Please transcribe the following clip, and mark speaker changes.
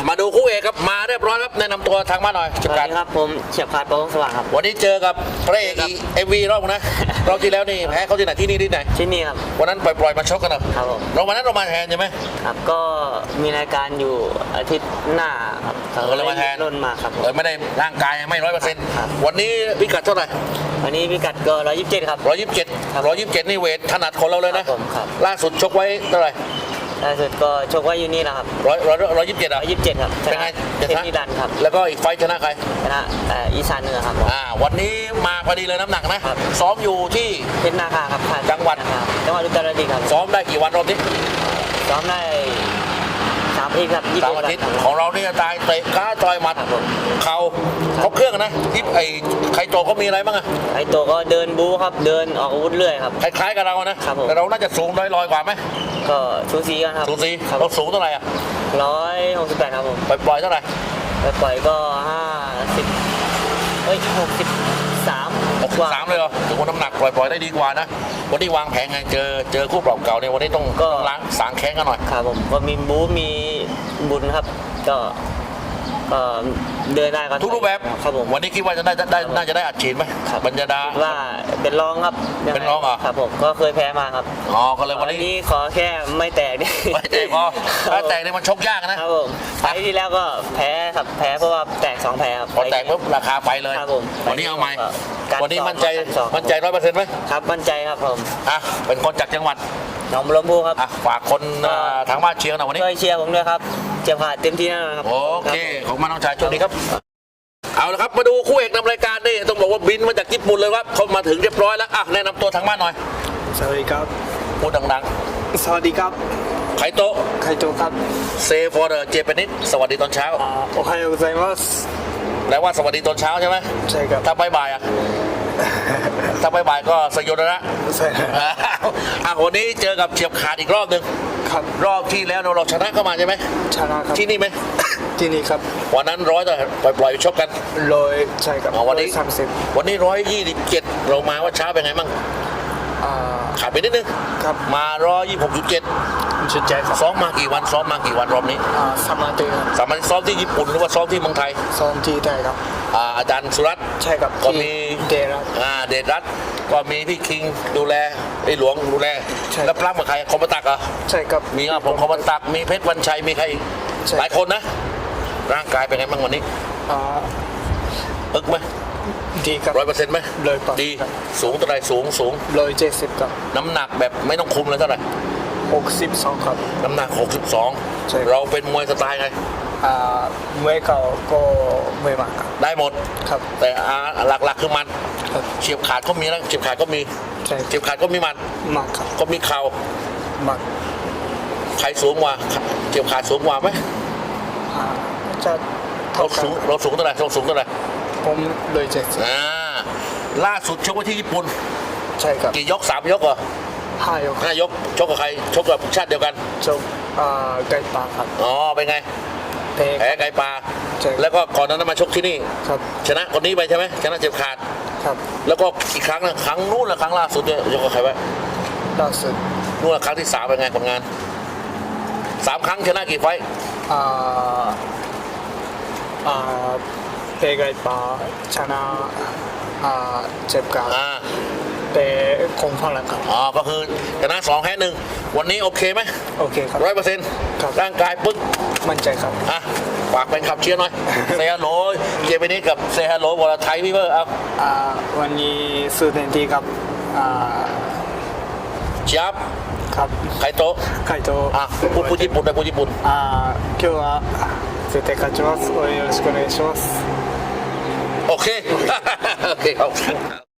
Speaker 1: มาดูคู่เอกครับมาเรียบร้อยครับแนะนำตัวทางบ้านหน่อย
Speaker 2: สวัสดีครับผมเฉียบขาดโปร่งสว่างครับ
Speaker 1: วันนี้เจอกับพระเอกเอ็มวีรอบนะรอบที่แล้วนี่แพ้เขาที่ไหนที่นี่ที่ไหน
Speaker 2: ที่นี่ครับ
Speaker 1: วันนั้นปล่อยมาชกกัน
Speaker 2: ครับผม
Speaker 1: เราวันนั้นเรามาแทนใช่ไหม
Speaker 2: ครับก็มีรายการอยู่อาทิตย์หน้าครับ
Speaker 1: เราเลยมาแทน
Speaker 2: ร่นมาครับ
Speaker 1: เลยไม่ได้ร่างกายไม่100%วันนี้พิกัดเท่าไหร่
Speaker 2: วันนี้พิกัดก็127ครับ
Speaker 1: 127นี่เวทถนัดของเราเลยนะล่าสุดชกไว้เท่าไหร่
Speaker 2: ล่าสุดก็ชกไว้อยู่นี่นะครับ
Speaker 1: 127อ่ะ
Speaker 2: 127ครับ
Speaker 1: เป็นไง
Speaker 2: ชนะนิรันดร์ครับ
Speaker 1: แล้วก็อีกไฟชนะใคร
Speaker 2: ชนะอีสานเหนือครับ
Speaker 1: วันนี้มาพอดีเลยน้ำหนักนะซ้อมอยู่ที่
Speaker 2: เพชรนาคาครับ
Speaker 1: จังหวัด
Speaker 2: อุตรดิตถ์ครับ
Speaker 1: ซ้อมได้กี่วันรอบนี้
Speaker 2: ซ้อมได้3 อาทิตย์ครับ
Speaker 1: 3 อาทิตย์ของเราเนี่ยตายเตะก้าต่อยหมัดเข่าครบเครื่องนะที่ไอ้ไคโตะเขามีอะไรบ้างอะ
Speaker 2: ไคโตะก็เดินบู๊ครับเดินออกอาวุธเรื่อยครับ
Speaker 1: คล้ายๆกับเรานะแต่เราน่าจะสูงลอยกว่าไหม
Speaker 2: ก็สูสีกันครับ
Speaker 1: สูสีเราสูงเท่าไหร่อะ
Speaker 2: 168ครับผม
Speaker 1: ปล่อยเท่าไหร่
Speaker 2: ปล่อยก็63
Speaker 1: เลยเหรอถือว่าน้ำหนักปล่อยได้ดีกว่านะวันนี้วางแผนไงเจอคู่ปรับเก่าเนี่ยวันนี้ต้องล้างสางแข้งกันหน่อย
Speaker 2: ครับผมก็มีบู๊มีบุญครับก็เดินได้
Speaker 1: ทุกรูปแบบ
Speaker 2: ครับผม
Speaker 1: วันนี้คิดว่าจะได้น่าจะได้อัดฉีดไหมบรรยดา
Speaker 2: ว่าเป็นรองครับ
Speaker 1: เป็นรองเหรอ
Speaker 2: ครับผมก็เคยแพ้มาครับ
Speaker 1: ก็เลยวัน
Speaker 2: นี้ขอแค่ไม่แตกนี่
Speaker 1: ไม่แตกพอถ้าแตกนี่มันชกยากนะครับ
Speaker 2: ผมไฟที่แล้วก็แพ้ครับแพ้เพราะว่าแตก2 แพ้ครับ
Speaker 1: พอแตกปุ๊บราคาไปเลย
Speaker 2: ครับผม
Speaker 1: วันนี้เอาใหม่วันนี้มั่นใจ100%ไหม
Speaker 2: ครับมั่นใจครับผม
Speaker 1: เป็นคนจากจังหวัด
Speaker 2: หนองบัวลำพูครับ
Speaker 1: ฝากคนทางบ้านเชียร์หน่อยวันนี้
Speaker 2: ช่วยเชียร์ผมด้วยครับเจ็บขาดเต็มที่แน่นอนครับ
Speaker 1: โอเคของมาน้องชายโชคดีครับเอาละครับมาดูคู่เอกนำรายการนี่ต้องบอกว่าบินมาจากญี่ปุ่นเลยครับเขามาถึงเรียบร้อยแล้วแนะนำตัวทางบ้านหน่อย
Speaker 3: สวัสดีครับ
Speaker 1: พูดดัง
Speaker 3: ๆสวัสดีครับ
Speaker 1: ไคโตะ
Speaker 3: ครับ
Speaker 1: เซฟอร์เดอร์เจแปนิสสวัสดีตอนเช้า
Speaker 3: โอไฮโอไซมัส
Speaker 1: แปลว่าสวัสดีตอนเช้าใช่ไหม
Speaker 3: ใช่ครับ
Speaker 1: ถ้าบ่ายถ้าบ่ายก็สยดนะ
Speaker 3: ใช่
Speaker 1: วันนี้เจอกับเฉียบขาดอีกรอบหนึ่ง
Speaker 3: ครับ
Speaker 1: รอบที่แล้วเราชนะเข้ามาใช่ไหม
Speaker 3: ชนะครับ
Speaker 1: ที่นี่ไหม
Speaker 3: ที่นี่ครับ
Speaker 1: วันนั้นแต่ปล่อยชกกัน
Speaker 3: ใช่ครับ
Speaker 1: วันนี้127เรามาว่าช้าเป็นไงมั่งขาดไปนิดนึง
Speaker 3: ครับ
Speaker 1: มา126.7
Speaker 3: ครับ
Speaker 1: ซ้อมมากี่วันรอบนี้
Speaker 3: 3 อาทิตย์
Speaker 1: ซ้อมที่ญี่ปุ่นหรือว่าซ้อมที่เมืองไทย
Speaker 3: ซ้อมที่ไทยครับ
Speaker 1: อาจารย์สุรัตน์
Speaker 3: ใช่ครับ
Speaker 1: ก็มี
Speaker 3: เดช
Speaker 1: รัตน์ก็มีพี่คิงดูแลไอ้หลวงดูแลแล้วปล้ำกับใครคอมบัตัก
Speaker 3: ใช่ครับ
Speaker 1: มีผมคอมบัตักมีเพชรวันชัยมีใครหลายคนนะร่างกายเป็นไงบ้างวันนี้อึกไหม
Speaker 3: ดีครับ
Speaker 1: 100%ไหมดีสูงเท่าไรสูง
Speaker 3: 170ครับ
Speaker 1: น้ำหนักแบบไม่ต้องคุมเลยเท่าไหร่
Speaker 3: 62ครับ
Speaker 1: น้ำหนัก62เราเป็นมวยสไตล์ไง
Speaker 3: มวยเก่าก็มวยหมัด
Speaker 1: ได้หมด
Speaker 3: ครับ
Speaker 1: แต่หลักๆคือมันเฉียบขาดก็มีนะเฉียบขาดก็มีเฉียบขาดก็มีมัน
Speaker 3: ครับ
Speaker 1: ก็มีเข่า
Speaker 3: มัน
Speaker 1: ใครสูงกว่าเฉียบขาดสูงกว่าไหม
Speaker 3: จะ
Speaker 1: เราสูงเท่าไหร่
Speaker 3: ผม170
Speaker 1: ล่าสุดชกไว้ที่ญี่ปุ่น
Speaker 3: ใช่ครับ
Speaker 1: กี่ยก3 ยกเหรอ5 ยกชกกับใครชกกับชาติเดียวกัน
Speaker 3: ชกไก่ปลาครับ
Speaker 1: เป็นไง
Speaker 3: แพ้
Speaker 1: ไก่ปลาแล้วก็ก่อนนั้นมาชกที่นี่
Speaker 3: ครับ
Speaker 1: ชนะคนนี้ไปใช่ไหมชนะเจ็บขาด
Speaker 3: ครับ
Speaker 1: แล้วก็อีกครั้งนึงครั้งนู้นและครั้งล่าสุดเนี่ยยกกับใครไว้
Speaker 3: ล่าสุด
Speaker 1: นู้นครั้งที่3เป็นไงผลงาน3 ครั้งชนะกี่ไฟ
Speaker 3: เพไก่ปลาชนะเจ็บขาดแต่คงพลังครับ
Speaker 1: ก็คือชนะ2 แพ้ 1วันนี้โอเคไหม
Speaker 3: โอเคครับ
Speaker 1: 100%ร่างกายปึ๊ก
Speaker 3: มั่นใจครับ
Speaker 1: ฝากเป็นขับเชียร์หน่อยเซฮัลโหลเจมินี่กับเซฮัลโหลวอลไทยพี่เบอร์
Speaker 3: วันนี้สู้เต็มที่ครับ
Speaker 1: เชียบ
Speaker 3: ครับ
Speaker 1: ไคโตะพูดญี่ปุ่นพูดญี่ปุ่น
Speaker 3: 今日は絶対勝ちます。応援よろしくお願いします。
Speaker 1: โอเคครับ